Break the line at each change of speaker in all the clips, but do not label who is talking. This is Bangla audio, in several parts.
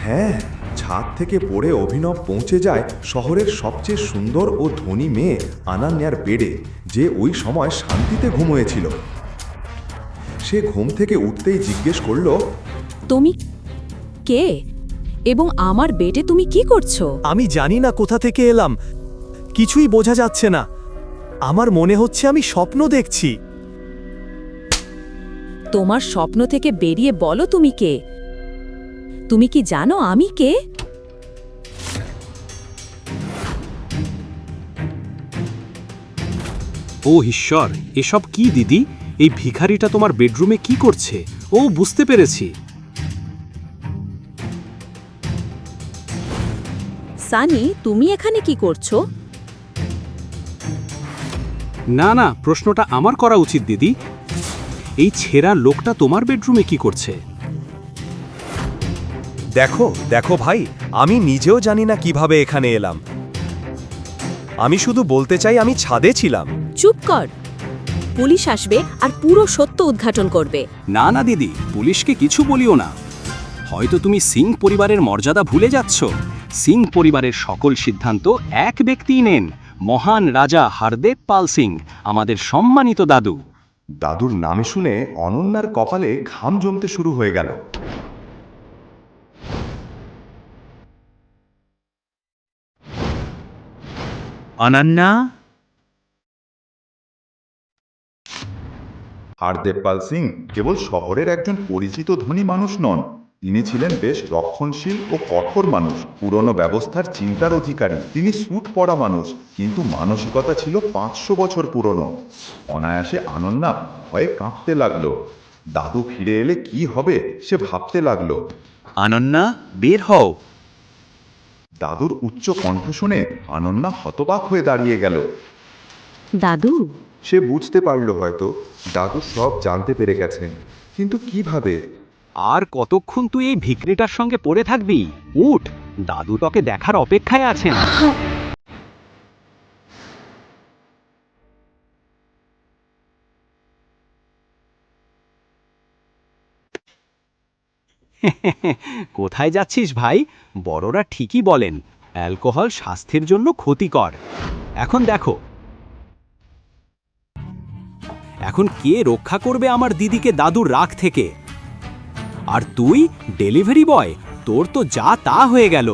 হ্যাঁ, ছাদ থেকে পড়ে অভিনব পৌঁছে যায় শহরের সবচেয়ে সুন্দর ও ধনী মেয়ে আনান্যার বেডে, যে ওই সময় শান্তিতে ঘুমোয়েছিল। সে ঘুম থেকে উঠতেই জিজ্ঞেস করল,
তুমি কে এবং আমার বেডে তুমি কি করছো?
আমি জানি না কোথা থেকে এলাম, কিছুই বোঝা যাচ্ছে না। আমার মনে হচ্ছে আমি স্বপ্ন দেখছি।
তোমার স্বপ্ন থেকে বেরিয়ে বলো তুমি কে। তুমি কি জানো আমি কে?
ও ঈশ্বর, এসব কি দিদি? এই ভিখারিটা তোমার বেডরুমে কি করছে? ও, বুঝতে পেরেছি।
সানি, তুমি এখানে কি করছো?
না না, প্রশ্নটা আমার করা উচিত দিদি। এই ছেঁড়া লোকটা তোমার বেডরুমে কি করছে?
দেখো দেখো ভাই, আমি নিজেও জানি না কিভাবে এখানে এলাম। আমি শুধু বলতে চাই আমি ছাদে ছিলাম।
চুপ কর। পুলিশ আসবে আর পুরো সত্য উদ্ঘাটন করবে।
না না দিদি, পুলিশকে কিছু বলিও না। হয়তো তুমি সিং পরিবারের মর্যাদা ভুলে যাচ্ছ। সিং পরিবারের সকল সিদ্ধান্ত এক ব্যক্তিই নেন, মহান রাজা হারদেব পাল সিং, আমাদের সম্মানিত দাদু।
দাদুর নাম শুনে অনন্যার কপালে ঘাম জমতে শুরু হয়ে গেল।
অনন্যা,
হারদেব পাল সিং কেবল শহরের একজন পরিচিত ধনী মানুষ নন, তিনি ছিলেন বেশ রক্ষণশীল ও কঠোর মানুষ, পুরনো ব্যবস্থার চিন্তার অধিকারী। তিনি স্যুট পরা মানুষ, কিন্তু মানসিকতা ছিল 500 বছর পুরনো। অনায়াসে আনন্যা ভয়ে কাঁপতে লাগলো। দাদু ফিরে এলে কি হবে সে ভাবতে লাগলো।
অনন্যা, বের হও।
দাদুর উচ্চ কণ্ঠ শুনে আনন্যা হতবাক হয়ে দাঁড়িয়ে গেল।
দাদু?
সে বুঝতে পারল হয়তো দাদু সব জানতে পেরে গেছেন, কিন্তু কিভাবে?
আর কতক্ষণ তুই এই ভিখারিটার সঙ্গে পড়ে থাকবি? উঠ, দাদু তোকে দেখার অপেক্ষায় আছেন। কোথায় যাচ্ছিস ভাই? বড়রা ঠিকই বলেন, অ্যালকোহল স্বাস্থ্যের জন্য ক্ষতিকর। এখন দেখো, এখন কে রক্ষা করবে আমার দিদিকে দাদুর রাগ থেকে? আর তুই ডেলিভারি বয়, তোর তো যা তা হয়ে গেল।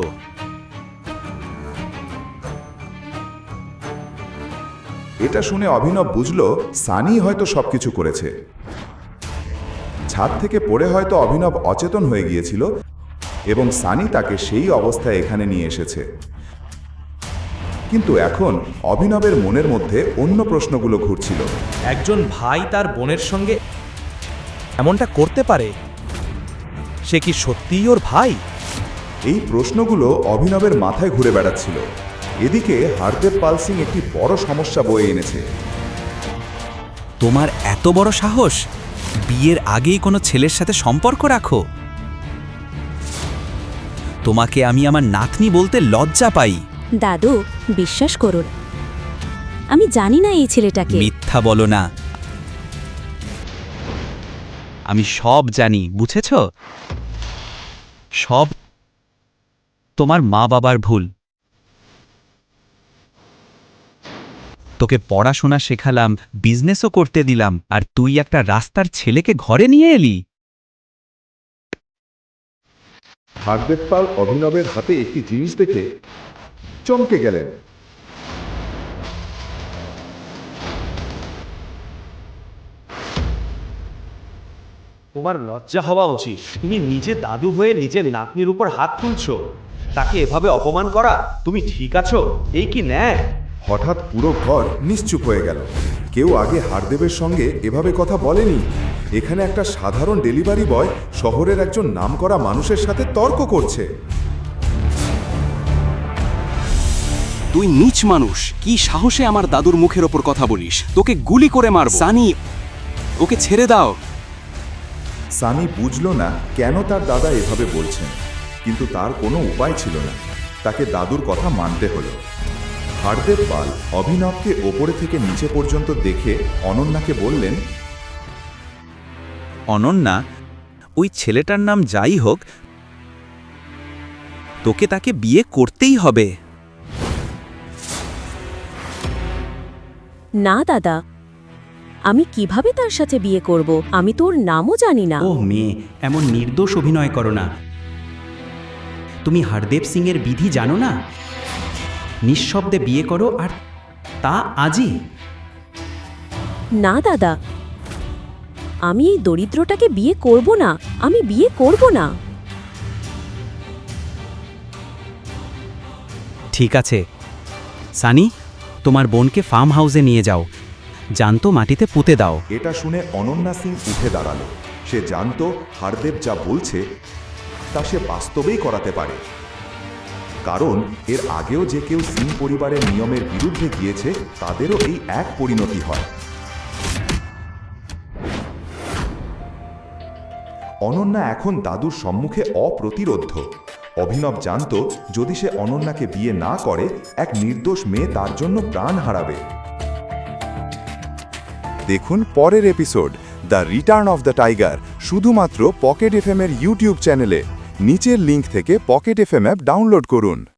এটা শুনে অভিনব বুঝল সানি হয়তো সবকিছু করেছে। ছাদ থেকে পড়ে হয়তো অভিনব অচেতন হয়ে গিয়েছিল এবং সানি তাকে সেই অবস্থায় এখানে নিয়ে এসেছে। কিন্তু এখন অভিনবের মনের মধ্যে অন্য প্রশ্নগুলো ঘুরছিল।
একজন ভাই তার বোনের সঙ্গে এমনটা করতে পারে? সে কি সত্যিই ওর ভাই?
এই প্রশ্নগুলো অভিনবের মাথায় ঘুরে বেড়াচ্ছিল। এদিকে হারদেব পাল সিং একটি বড় সমস্যা বয়ে এনেছে।
তোমার এত বড় সাহস, বিয়ের আগেই কোনো ছেলের সাথে সম্পর্ক রাখো? তোমাকে আমি আমার নাতনি বলতে লজ্জা পাই।
দাদু, বিশ্বাস করুন, আমি জানি না এই ছেলেটাকে।
মিথ্যা বলো না। আমি সব জানি, বুঝেছ? সব তোমার মা বাবার ভুল। তোকে পড়াশোনা শেখালাম, বিজনেসও করতে দিলাম, আর তুই একটা রাস্তার ছেলেকে ঘরে নিয়ে এলি।
হারদেব পাল অভিনবের হাতে একটি জিনিস দেখে চমকে গেলেন।
তোমার লজ্জা হওয়া উচিত। তুমি নিজে দাদু হয়ে নিজের নাতনির উপর হাত তুলছো। তাকে এভাবে অপমান করা, তুমি ঠিক আছো? এই কি ন্যায়?
হঠাৎ পুরো ঘর নিশ্চুপ হয়ে গেল। কেউ আগে হারদেবের সঙ্গে এভাবে কথা বলেনি। এখানে একটা সাধারণ ডেলিভারি বয় শহরের একজন নামকরা মানুষের সাথে তর্ক করছে।
তুই নীচ মানুষ, কি সাহসে আমার দাদুর মুখের ওপর কথা বলিস? তোকে গুলি করে মারব। সানি, ওকে ছেড়ে দাও।
সানি বুঝল না কেন তার দাদা এভাবে বলছেন, কিন্তু তার কোনো উপায় ছিল না। তাকে দাদুর কথা মানতে হলো। হারদেব পাল অভিনবকে ওপরে থেকে নিচে পর্যন্ত দেখে অনন্যাকে বললেন,
অনন্যা, ওই ছেলেটার নাম যাই হোক, তোকে তাকে বিয়ে করতেই হবে।
না দাদা, আমি কিভাবে তার সাথে বিয়ে করব? আমি তো ওর নামও জানি না।
ও মেয়ে, এমন নির্দোষ অভিনয় করো না। তুমি হরদেব সিং এর বিধি জানো না? নিঃশব্দে বিয়ে করো, আর তা আজই।
না দাদা, আমি এই দরিদ্রটাকে বিয়ে করব না। আমি বিয়ে করব না।
ঠিক আছে সানি, তোমার বোনকে ফার্ম হাউসে নিয়ে যাও, জানতো মাটিতে পুঁতে দাও।
এটা শুনে অনন্যা সিং উঠে দাঁড়ালো। সে জানতো হারদেব যা বলছে তা সে বাস্তবেই করাতে পারে, কারণ এর আগেও যে কেউ সিং পরিবারের নিয়মের বিরুদ্ধে গিয়েছে তাদেরও এই এক পরিণতি হয়। অনন্যা এখন দাদুর সম্মুখে অপ্রতিরোধ্য। অভিনব জানতো যদি সে অনন্যাকে বিয়ে না করে এক নির্দোষ মেয়ে তার জন্য প্রাণ হারাবে। দেখুন পরের episode the return of the tiger শুধুমাত্র পকেট এফএম এর ইউটিউব চ্যানেলে। নিচের লিংক থেকে পকেট এফএম অ্যাপ ডাউনলোড করুন।